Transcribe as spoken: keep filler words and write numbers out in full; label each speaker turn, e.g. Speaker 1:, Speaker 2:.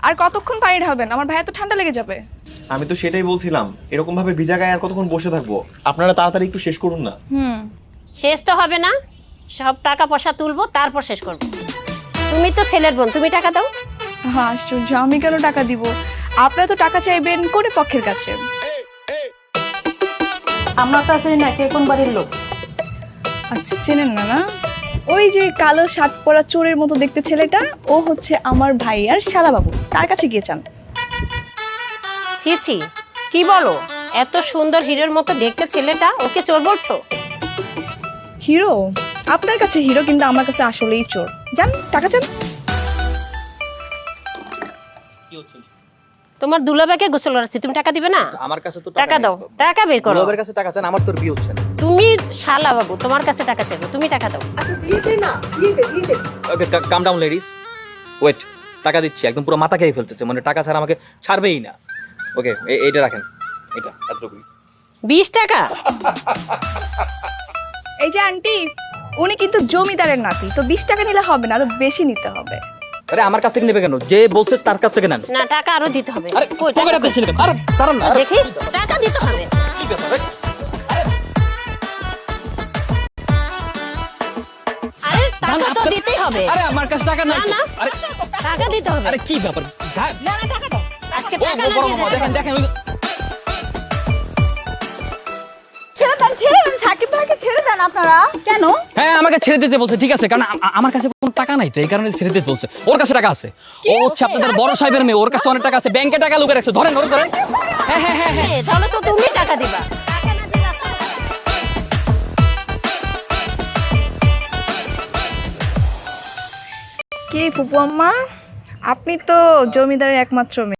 Speaker 1: আর কতক্ষণ পানি ঢালবেন? আমার ভাইয়া তো ঠান্ডা লেগে যাবে।
Speaker 2: আমি তো সেটাই বলছিলাম, এরকম ভাবে ভিজা গায়ে আর কতক্ষণ বসে থাকবো? আপনারা তাড়াতাড়ি একটু শেষ করুন না।
Speaker 1: হুম,
Speaker 3: শেষ তো হবে না, সব টাকা পয়সা তুলবো তারপর শেষ করব। তুমি তো ছেলের বোন, তুমি টাকা দাও।
Speaker 1: হ্যাঁ আশ্চর্য, আমি কেন টাকা দিব? আপনারা তো টাকা চাইবেন কোন পক্ষের কাছে?
Speaker 4: আমরা তো আসলে না, কে কোন বাড়ির লোক?
Speaker 1: আচ্ছা, চেনেন না না? ওই যে কালো শার্ট পরা চোরের মতো দেখতে ছেলেটা, ও হচ্ছে আমার ভাই আর শালাবাবু, তার কাছে গিয়ে চান।
Speaker 3: ছি ছি, কি বলো? এত সুন্দর হিরোর মতো দেখতে ছেলেটা, ওকে চোর বলছো?
Speaker 1: হিরো? আপনার কাছে হিরো, কিন্তু আমার কাছে আসলেই চোর। যান, টাকা চান।
Speaker 3: তোমার দুলাভাইকে গোসল করাচ্ছি, তুমি টাকা দিবে না?
Speaker 5: আমার কাছে তো
Speaker 3: টাকা দাও, টাকা বের করো।
Speaker 5: দুলাভাইয়ের কাছে টাকা চান, আমার তোর বিয়ে হচ্ছে না।
Speaker 3: তুমি শালা বাবু, তোমার কাছে টাকা চাইবো, তুমি টাকা দাও।
Speaker 4: আচ্ছা দিয়ে দে না, দিয়ে দে, দিয়ে দে।
Speaker 5: Okay, calm down ladies, wait. টাকা দিচ্ছি, একদম পুরো মাথা খেয়ে ফেলতেছে, মানে টাকা ছাড়া আমাকে ছাড়বেই না। ওকে, এইটা রাখেন, এটা এতটুকুই।
Speaker 3: বিশ টাকা?
Speaker 1: এই যে আন্টি, উনি কিন্তু জমিদারের নাতি, তো বিশ টাকা নিলে হবে না, আরো বেশি নিতে হবে।
Speaker 5: আরে আমার কাছ থেকে নেবে কেন? যে বলছে তার কাছ থেকে নেন।
Speaker 3: না, টাকা আরো দিতে হবে।
Speaker 5: আরে
Speaker 3: কই টাকা?
Speaker 5: পকেটে দিচ্ছেন কেন? আরে দাঁড়ান না, আরে
Speaker 3: দেখি, টাকা দিতে হবে।
Speaker 5: কি ব্যাপার?
Speaker 3: আরে টাকা তো দিতেই হবে।
Speaker 5: আরে আমার কাছে টাকা নাই।
Speaker 3: না না,
Speaker 5: আরে
Speaker 3: টাকা দিতে হবে।
Speaker 5: আরে কি ব্যাপার? গা-
Speaker 3: না না, টাকা দাও। আজকে
Speaker 5: ও
Speaker 3: টাকা
Speaker 5: ও,
Speaker 3: না
Speaker 5: বড়
Speaker 3: দিয়ে
Speaker 5: মামা,
Speaker 3: যেতে
Speaker 5: দেখেন
Speaker 3: হবে।
Speaker 5: দেখেন ওই-
Speaker 4: ছেড়ে দেন, ছেড়ে দেন, সাকিব ভাইকে ছেড়ে দেন আপনারা।
Speaker 1: কেন?
Speaker 5: হ্যাঁ, আমাকে ছেড়ে দিতে বলছে, ঠিক আছে, কারণ আ- আমার কাছে কোনো টাকা নাই, তো এই কারণে ছেড়ে দিতে বলছে। ওর কাছে টাকা আছে, ও হচ্ছে আপনাদের বড় সাহেবের মেয়ে, ওর কাছে অনেক টাকা আছে, ব্যাংকে টাকা লুকিয়ে রাখছে। ধরেন, ওরে ধরেন। হ্যাঁ হ্যাঁ হ্যাঁ হ্যাঁ।
Speaker 3: এ, তাহলে তো তুমি টাকা দিবা। টাকা না দিলে আসলে-
Speaker 1: কি ফুপু আম্মা, আপনি তো জমিদারের একমাত্র মেয়ে।